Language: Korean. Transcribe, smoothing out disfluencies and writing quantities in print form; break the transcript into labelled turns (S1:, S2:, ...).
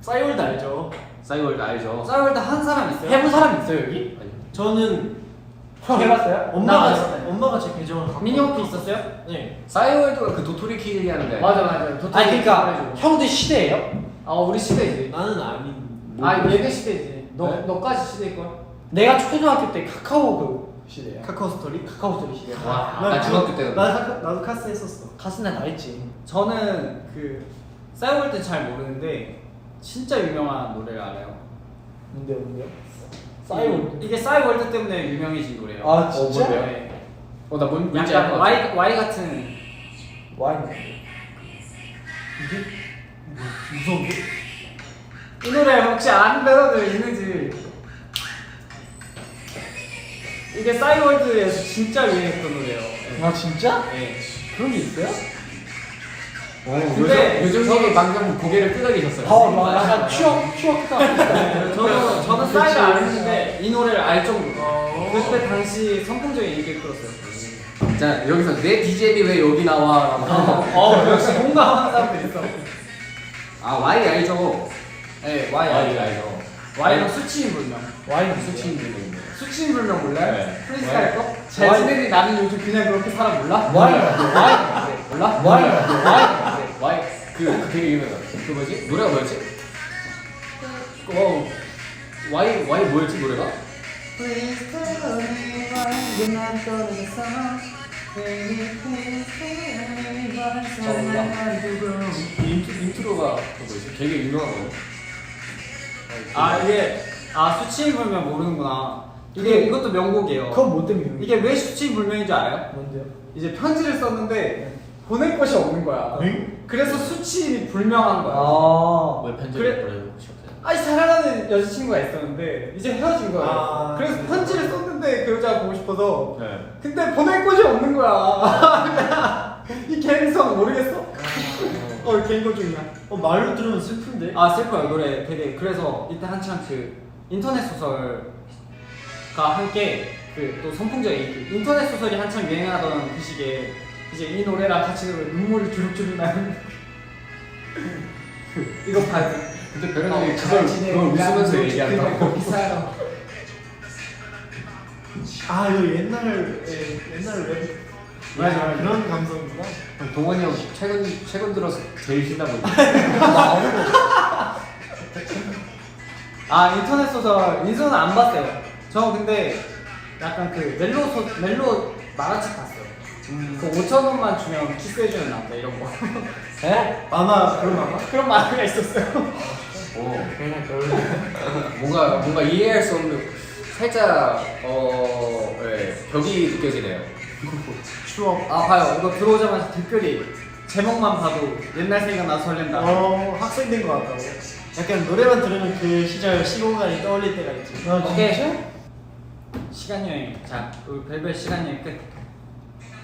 S1: 싸이월드 알죠?
S2: 싸이월드 알죠?
S3: 싸이월드 한 사람 있어요?
S1: 해본 사람 있어요 여기?
S2: 아니.
S1: 저는
S3: 해봤어요?
S1: 엄마가 제 계정을 갖고
S3: 민혁 도 있었어요?
S1: 네.
S2: 싸이월드가 그 도토리 키리 하는데.
S3: 맞아.
S1: 아니 그러니까 형도 시대예요?
S3: 우리 시대지.
S1: 나는 아닌.
S3: 얘네 시대지.
S1: 네?
S3: 너까지 시대일걸?
S1: 내가 초등학교 때 카카오 그 시대야.
S4: 카카오 스토리?
S1: 카카오 스토리 시대.
S2: 와, 나 중학교 때였는데.
S4: 나도 카스 했었어.
S1: 가슴에 나 있지.
S3: 저는 그 싸이월드 잘 모르는데 진짜 유명한 노래를 알아요.
S1: 뭔데요? 싸이월드.
S3: 이게 싸이월드 때문에 유명해진 노래예요.
S1: 아 진짜?
S2: 뭔데요?
S3: 네.
S2: 나 뭔지 알 것
S3: 약간
S2: 같아.
S3: Y 같은.
S1: 와인.
S4: 이게 무서운데?
S3: 이 노래 혹시 아는 멜로디 있는지. 이게 싸이월드에서 진짜 유행했던 노래예요.
S1: 아 진짜?
S3: 네.
S1: 그런 게 있어요?
S3: 근데
S2: 요즘님이 방금 고개를 끄덕이셨어요.
S1: 나 약간 추억했다.
S3: 저는 싸이를 안 했는데 이 노래를 알 정도로. 그때 당시 선풍적인 인기를 끌었어요.
S2: 자, 여기서 내 DJ이 왜 여기 나와?
S3: 역시 공감하는 사람들 있어.
S2: Y 알죠?
S3: 네, Y 알죠. Y는 수치인 불명.
S1: 와인은
S2: 수치인 분인데.
S3: 수치인 불명 몰라요?
S2: 네.
S3: 프리스타일 거?
S1: Y.
S3: 제 친구들이 나는 요즘 그냥 그렇게 살아 몰라?
S1: 와인.
S3: 몰라?
S2: Y 그 되게 유명한 그 뭐지? 노래가 뭐였지? Y 뭐였지 노래가? 인트로가 그 뭐지? 되게 유명한 거예요.
S3: 이게 수치인 불명 모르는구나. 이것도 명곡이에요.
S1: 그건 뭐 때문에?
S3: 이게 왜 수치인 불명인 줄 알아요?
S1: 뭔데요?
S3: 이제 편지를 썼는데 보낼 곳이 없는 거야.
S4: 응?
S3: 그래서 수치인이 불명한 거야.
S2: 왜 편지를
S3: 그래?
S2: 보내고 싶었어요?
S3: 사랑하는 여자친구가 있었는데 이제 헤어진 거야. 그래서 편지를 썼는데 그 여자가 보고 싶어서.
S2: 네.
S3: 근데 보낼 곳이 없는 거야. 이 개인성 모르겠어? 개인거 중이야.
S4: 말로 들으면 슬픈데?
S3: 슬퍼요 노래 되게. 그래서 이때 한참 그 인터넷 소설과 함께 그 또 선풍적인 인기. 인터넷 소설이 한참 유행하던 그 시기에 이제 이 노래랑 같이 들으면 눈물이 주룩주룩 나는. 이거 봐야 돼.
S2: 근데 별현이 그걸 웃으면서 얘기한다고.
S3: 비싸요.
S4: 이거 옛날 웹.
S3: 맞아.
S4: 그런 감성이구나.
S2: 동원이 형 최근 들어서 제일 신나 보이네.
S3: 인터넷 소설 인수는 안 봤어요. 저 근데 약간 그 멜로 만화책 봤어요. 그 5,000원만 주면 키스해주는 남자 이런 거.
S1: 에?
S4: 만화 그런 만화?
S3: 그런 만화가 있었어요.
S2: 뭔가 이해할 수 없는 살짝 벽이 느껴지네요.
S4: 추억.
S3: 봐요. 이거 들어오자마자 댓글이 제목만 봐도 옛날 생각나서 설렌다.
S4: 학생 된 것 같다고. 약간 노래만 들으면 그 시절 시공간이 떠올릴 때가 있지.
S3: 오케이. 시간 여행. 자, 우리 벨벳 시간 여행 끝.